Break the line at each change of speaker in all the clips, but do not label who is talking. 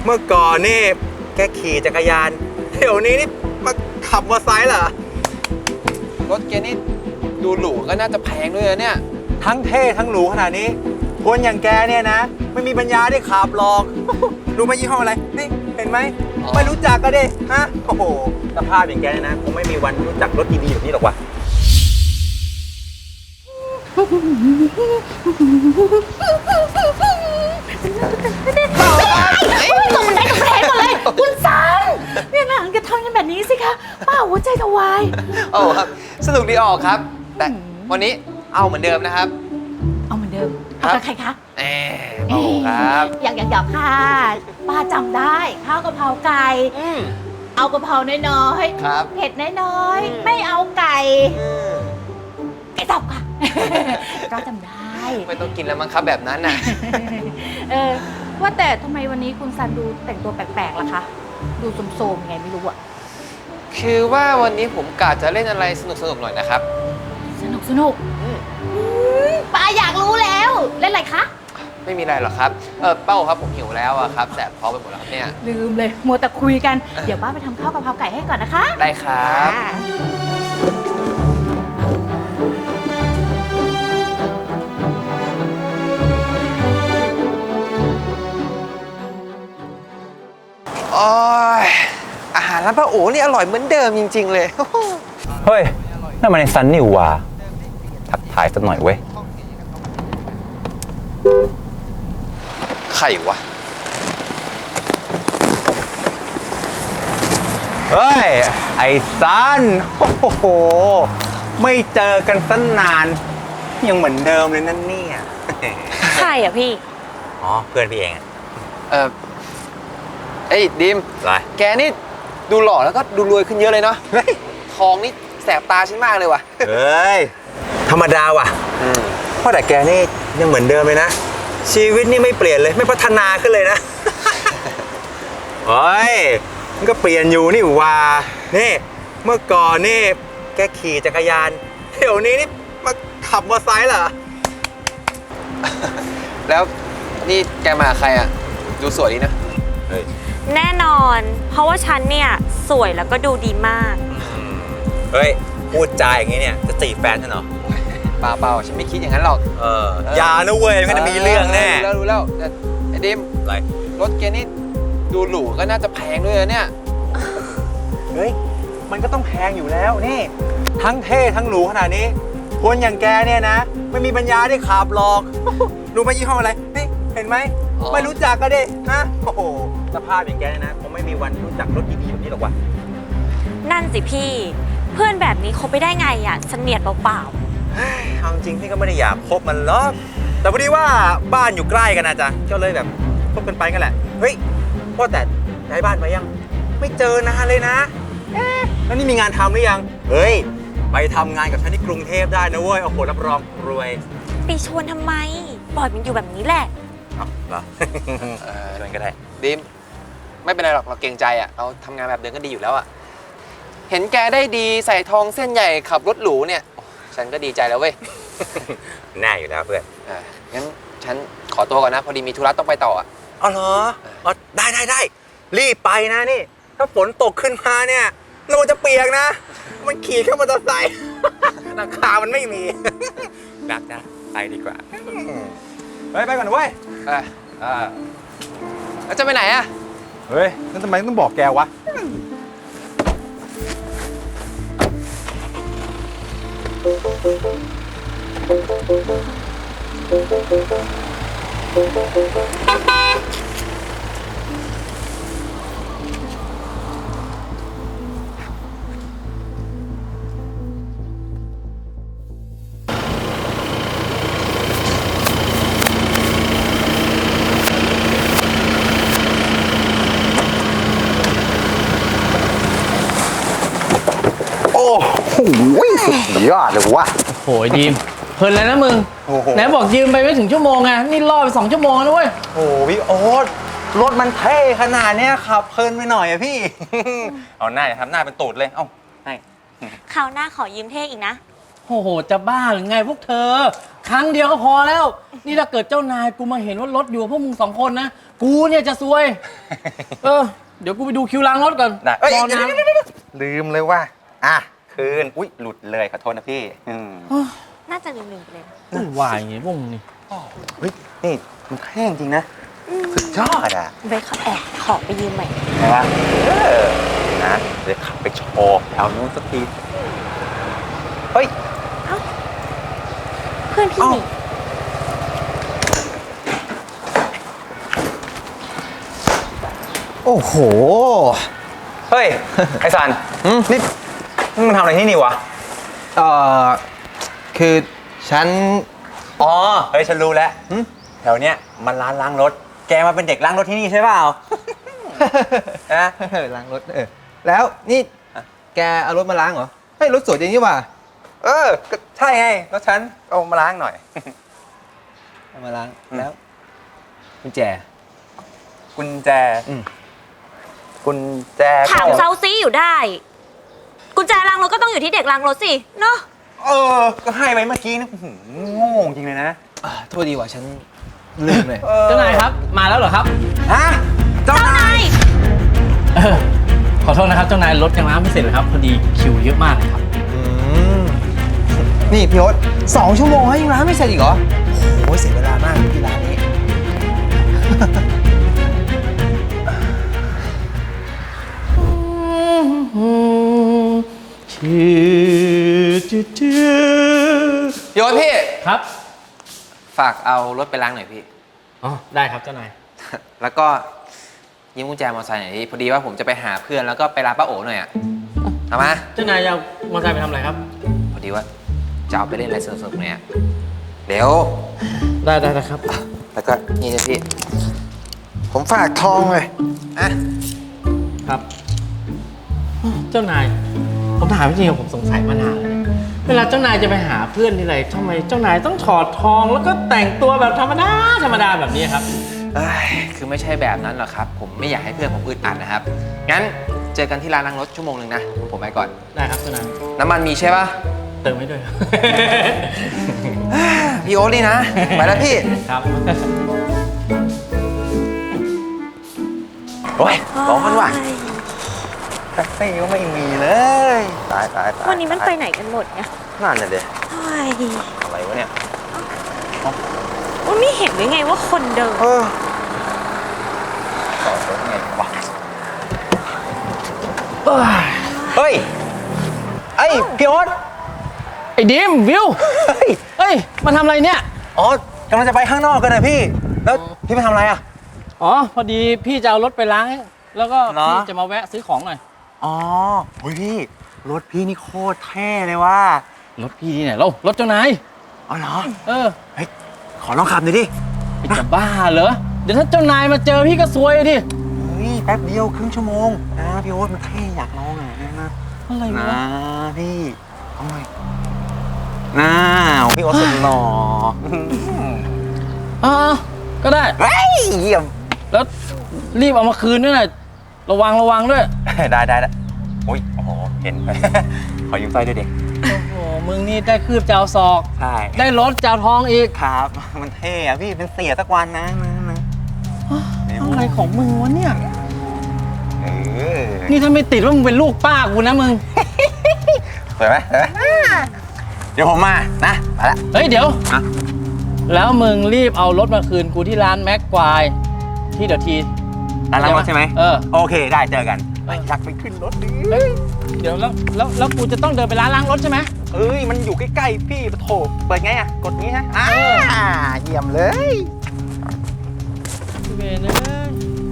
เมื่อก่อนนี่แกขี่จักรยานเดี๋ยวนี้นี่มาขับมอเตอร์ไซค์เหรอ
รถแกนี่ดูหรูก็น่าจะแพงด้วยนะเนี่ย
ทั้งเท่ทั้งหรูขนาดนี้คนอย่างแกเนี่ยนะไม่มีปัญญาได้ขับหรอกรู้ไหมยี่ห้ออะไรนี่เห็นไหมไม่รู้จักก็ดิฮะโอ้โหสภาพอย่างแกเนี่ยนะคงไม่มีวันรู้จักรถดีๆแบบนี้หรอกวะ
ตรงบันไดตรงแผงหมดเลยคุณซันเนี่ยหนังจะทำกันแบบนี้สิคะป้าหัวใจจะวาย
โอ้ครับสนุกดีออกครับ แต่วันนี้เอาเหมือนเดิมนะครับ
เอาเหมือนเดิมเอากับใครคะ
โอ้ครับ
อยากค่ะป้าจำได้ข้าวกะเพราไก่เอากะเพราน้อยๆ
ครับ
เผ็ดน้อยๆไม่เอาไก่สับค่ะก็จำได้
ไม่ต้องกินแล้วมั้งครับแบบนั้นน่ะ
ว่าแต่ทำไมวันนี้คุณซันดูแต่งตัวแปลกๆล่ะคะดูโสมๆไงไม่รู้อะ
คือว่าวันนี้ผมกะจะเล่นอะไรสนุกๆหน่อยนะครับ
สนุกป้าอยากรู้แล้วเล่นอะไรคะ
ไม่มีอะไรหรอกครับเป้าครับผมหิวแล้วอะครับแสบท้องไปหมดแล้วครับเนี่ย
ลืมเลยมัวแต่คุยกันเดี๋ยวป้าไปทำข้าวกะเพราไก่ให้ก่อนนะคะ
ได้ครับโอ้ยอาหารร้านป้าโอ๋นี่อร่อยเหมือนเดิมจริงๆเลย
เฮ้ยนั่นมันในซันนี่หว่าทักทายสักหน่อยเว้ย
ใครวะ
เฮ้ยไอ้ซันโอ้โหไม่เจอกันตั้งนานยังเหมือนเดิมเลยนั่นเนี่ย
ใครอ่ะพี่
อ๋อเพื่อนพี่เอง
ไอ้ดิม
อะไร
แกนี่ดูหล่อแล้วก็ดูรวยขึ้นเยอะเลยเนาะทองนี่แสบตาฉันมากเลยว่ะ
เฮ้ยธรรมดาว่ะเพราะแต่แกนี่ยังเหมือนเดิมเลยนะชีวิตนี่ไม่เปลี่ยนเลยไม่พัฒนาขึ้นเลยนะเฮ้ยมันก็เปลี่ยนอยู่นี่ว่านี่เมื่อก่อนนี่แกขี่จักรยานเดี๋ยวนี้นี่มาขับมอเตอร์ไซค์เหรอ
แล้วนี่แกมาใครอ่ะดูสวยดีนะ
แน่นอนเพราะว่าฉันเนี่ยสวยแล้วก็ดูดีมาก
เฮ้ยพูดจาอย่างนี้เนี่ยจะจีบแฟนฉันเหรอ
เปล่าฉันไม่คิดอย่างนั้นหรอก
อย่านะเว้ยมันจะมีเรื่องแน่
รู้แล้วไอ้ดิม
อะไร
รถแกนี่ดูหรูก็น่าจะแพงด้วยนะเนี่ย
เฮ้ยมันก็ต้องแพงอยู่แล้วนี่ทั้งเท่ทั้งหรูขนาดนี้คนอย่างแกเนี่ยนะไม่มีปัญญาได้ขับหรอกรู้ไหมยี่ห้ออะไรนี่เห็นไหมไม่รู้จักก็ดิฮะโอ้โหสภาพอย่างแกนะคงไม่มีวันรู้จักรถดีๆแบบนี้หรอกวะ
นั่นสิพี่เพื่อนแบบนี้คบไปได้ไงอ่ะเสนียดเปล่า
เอาจริงพี่ก็ไม่ได้อยากคบมันหรอกแต่พอดีว่าบ้านอยู่ใกล้กันนะจ๊ะก็เลยแบบคบกันไปกันแหละเฮ้ยพ่อแต่ย้ายบ้านมายังไม่เจอนานเลยนะแล้วนี่มีงานทำหรือยังเฮ้ยไปทำงานกับฉันที่กรุงเทพได้นะเว้ยโอ้โหรับรองรวย
ไปชวนทำไมปล่อยมันอยู่แบบนี้แหละ
เหรอชวนก็ได้
ดิมไม่เป็นไรหรอกเราเกรงใจอ่ะเราทำงานแบบเดิมก็ดีอยู่แล้วอ่ะเห็นแกได้ดีใส่ทองเส้นใหญ่ขับรถหรูเนี่ยฉันก็ดีใจแล้วเว้ย
แน่อยู่แล้วเพื่อน
งั้นฉันขอตัวก่อนนะพอดีมีธุระต้องไปต่ออ่ะ
อ๋อเหรอได้รีบไปนะนี่ถ้าฝนตกขึ้นมาเนี่ยเราจะเปียกนะมันขี่แค่มอเตอร์ไซค์ราคามันไม่มีนักนะไปดีกว่าไปก่อนนะเว้ย
แล้วจะไปไหนอ่ะ
เฮ้ยนั่นทำไมต้องบอกแกวะสุดยอดเลยวะ
โหยดีมเพลินแล้วนะมึงไหนบอกยืมไปไม่ถึงชั่วโมงไงนี่รอไป2 ชั่วโมงแล้วเว้ย
โอ้พี่โอ๊ตรถมันเท่ขนาดนี้ขับเพลินไปหน่อยอะพี่เอาหน้าทำหน้าเป็นตูดเลยเอ้าให้
คราวหน้าขอยืมเท่อีกนะ
โ
โอ้โห จะบ้าหรือไงพวกเธอ ครั้งเดียวก็พอแล้ว นี่ถ้าเกิดเจ้านายกูมาเห็นว่ารถอยู่กับพวกมึง2 คนนะ กูเนี่ยจะซวย เดี๋ยวกูไปดูคิวล้างรถก่อน
ได้เอ้ย
รอนาน
ลืมเลยว่าคืน อุ๊ย หลุดเลยขอโทษนะพี่
น่าจะลืมๆไปเลยนะ
วุ่นวายอย่างงี้พวกมึงนี่
เฮ้ย นี่มันเท่จริงนะ สุดยอดอ่ะ
เบคเขาแอบขอไปยืมใหม่
ใช่ปะนะเดี๋ยวขับไปโชว์แถวนู้นสักที เฮ้ย
เพื่อนพี่
เอ้า
นี่
โอ้โห เฮ้ย ไอซันนี่มึงทำอะไรที่นี่วะ
คือฉัน
อ๋อ เฮ้ย ฉันรู้แล้วแถวเนี้ยมันร้านล้างรถ แกมาเป็นเด็กล้างรถที่นี่ใช่เปล่า นะ
ล้างรถแล้วนี่แกเอารถมาล้างเหรอเฮ้ยรถสวยจริงนี่หว่า
ก็ใช่ไงรถฉันเอามาล้างหน่อย
เอามาล้างแล้วกุญแจ
กุญแจ กุญแจ
ถาม
ก็
เซาซีอยู่ได้ กุญแจล้างรถก็ต้องอยู่ที่เด็กล้างรถสิเนาะ
ก็ให้ไปเมื่อกี้นะโง่จริงเลยนะ
โทษดีว่าฉันลืมเลย
เจ้านายครับ มาแล้วเหรอครับ
ฮะเจ้านาย
ขอโทษนะครับเจ้านายรถยังล้างไม่เสร็จเลยครับ พอดีคิวเยอะมากเลยครับ
นี่พี่โอ๊ต2 ชั่วโมงให้ยังล้างไม่เสร็จอีกเหรอโอ้ยเสียเวลามากที่ร้านนี้
พี่โอ๊ตพี่
ครับ
ฝากเอารถไปล้างหน่อยพี่
อ๋อ ได้ครับเจ้านาย
แล้วก็ยืมกุญแจมอเตอร์ไซค์หน่อยพี่พอดีว่าผมจะไปหาเพื่อนแล้วก็ไปร้านป้าโอ๋หน่อยอะเอามา
เจ้านายจะเอามอเตอร์ไซค์ไปทำอะไรครับ
พอดีว่าจะเอาไปเล่นอะไรสนุกๆเนี่ยเดี๋ยว
ได้ครับ
แล้วก็นี่นะพี่
ผมฝากทองเลย
ครับ เจ้านาย ผมถามจริงๆผมสงสัยมานานแล้วเนี่ยเวลาเจ้านายจะไปหาเพื่อนที่ไรทำไมเจ้านายต้องถอดทองแล้วก็แต่งตัวแบบธรรมดาแบบนี้ครับ
คือไม่ใช่แบบนั้นหรอกครับ ผมไม่อยากให้เพื่อนผมอึดอัดนะครับ งั้นเจอกันที่ร้านล้างรถชั่วโมงหนึ่งนะ ผมไปก่อน
ได้ครับเจ้านาย
น้ำมันมีใช่ปะ
เติมให้ด้วยครับ
พี่โอ๊ตนี่นะ ไปแล้วพี่
ครับ
โอ้ยร้อนว่ะแท็กซี่ก็ไม่มีเลย ตาย
วันนี้มันไปไหนกันหมดเนี่ย
นั่นน่ะเด็
เฮ้ย
อะไรวะเนี่ย
ว่าไม่เห็นหรือไงว่าคนเดิน
ต่อรถไงวะเฮ้ย ไอ้พี่โอ๊ต
ไอ้ดิมวิว เฮ้ย มาทำอะไรเนี่ย
อ๋อกำลังจะไปข้างนอกกันนะพี่ แล้วพี่ไปทำอะไรอ่ะ
อ๋อ พอดีพี่จะเอารถไปล้าง แล้วก็
เหรอ
พี่จะมาแวะซื้อของหน่อย
อ๋อเฮ้ยพี่ รถพี่นี่โคตรเท่เลยว่ะ
รถพี่ที่ไหนเรารถเจ้านาย
อ๋อเหรอ
เออ
เฮ้ย ขอลองขับหน่อยดิ
ไอ้จะบ้าเหรอ เดี๋ยวถ้าเจ้านายมาเจอพี่ก็ซวยดิ
เฮ้ย แป๊บเดียวครึ่งชั่วโมงนะพี่โอ๊ตมันเท่อยากลองอ่ะนะ
อะไรวะ
นะพี่เอาหน่อยน้าพี่โอ๊ตสุดหล่อ
อ่าก็ได้
เฮ้ยเยี่ยม
แล้วรีบเอามาคืนด้วยนะระวังด้วย
ได้โอ้ย โอ้โห เห็น ขอยืมสร้อยด้วยดิ
โอ้โห มึงนี่ได้คืบจะเอาศอก
ใช่
ได้รถจะเอาทองอีก
ครับ มันเท่อะพี่ เป็นเสียสักวันนะ
อะไรของมึงวะเนี่ย
เออ
นี่ถ้าไม่ติดว่ามึงเป็นลูกป้ากูนะมึง
สวยไหมเดี๋ยวผมมา นะ ไปละ
เฮ้ยเดี๋ยว
อะ
แล้วมึงรีบเอารถมาคืนกูที่ร้านแม็กควายที่เดี๋ยวที
ร้านล้างรถใช่ไหม
เออ
โอเค ได้เจอกันไปชักไปขึ้นรถดิ
เฮ้ยเดี๋ยวแล้วกูจะต้องเดินไปร้านล้างรถใช่ไหม
เอ้ย มันอยู่ใกล้ๆพี่ปะโถเปิดไงอะกดงี้ฮะเยี่ยมเลย
เวรเลย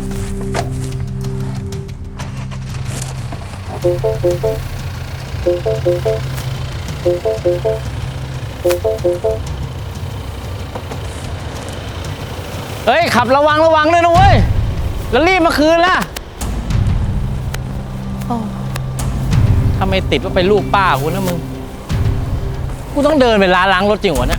เฮ้ย ขับระวังด้วยนะเว้ย แล้วรีบมาคืนล่ะถ้าไม่ติดว่าเป็นลูกป้ากูนะมึง กูต้องเดินไปร้านล้างรถจริงวะเนี่ย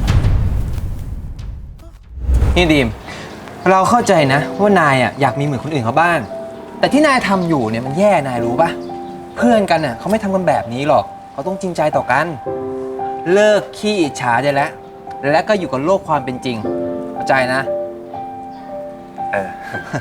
นี่ดีม เราเข้าใจนะว่านายอ่ะอยากมีเหมือนคนอื่นเขาบ้าง แต่ที่นายทำอยู่เนี่ยมันแย่นายรู้ปะเพื่อนกันอ่ะเขาไม่ทำกันแบบนี้หรอกเขาต้องจริงใจต่อกัน
เลิกขี้อิจฉาได้แล้ว และก็อยู่กับโลกความเป็นจริงเข้าใจนะ
เออ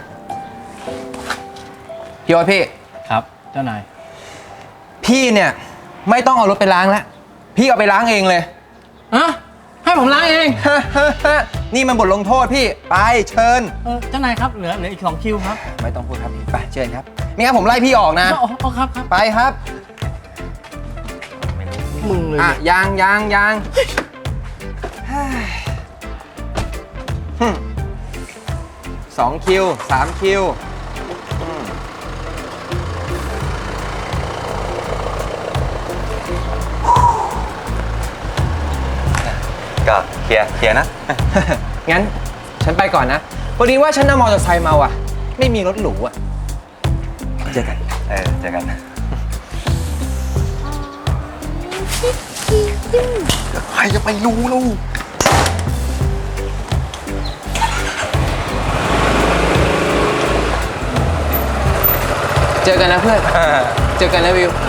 พี่โอ๊ตพี่
ครับเจ้านาย
พี่เนี่ยไม่ต้องเอารถไปล้างแล้ว พี่เอาไปล้างเองเลย
อะให้ผมล้างเอง
นี่มันบทลงโทษพี่ ไปเชิญ
เจ้านายครับเหลืออีก2 คิวครับ
ไม่ต้องพูดครับพี่ไปเชิญครับไม่งั้นผมไล่พี่ออกนะ
อ๋อครับครับ
ไปครับ
มึงเลย
อ่ะ
เนี่ย
ยัง2 คิว 3 คิว
ก็เคลียร์นะ
งั้นฉันไปก่อนนะพอดีว่าฉันนั่งมอเตอร์ไซค์มาว่ะ ไม่มีรถหรูอ่ะ เจอกัน
เจอกัน
ใครจะไปรู้ลูกเจอกันนะเพื่อน เจอกันนะวิว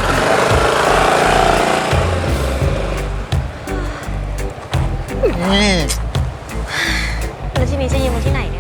แล้วทีนี้จะยืมมาที่ไหน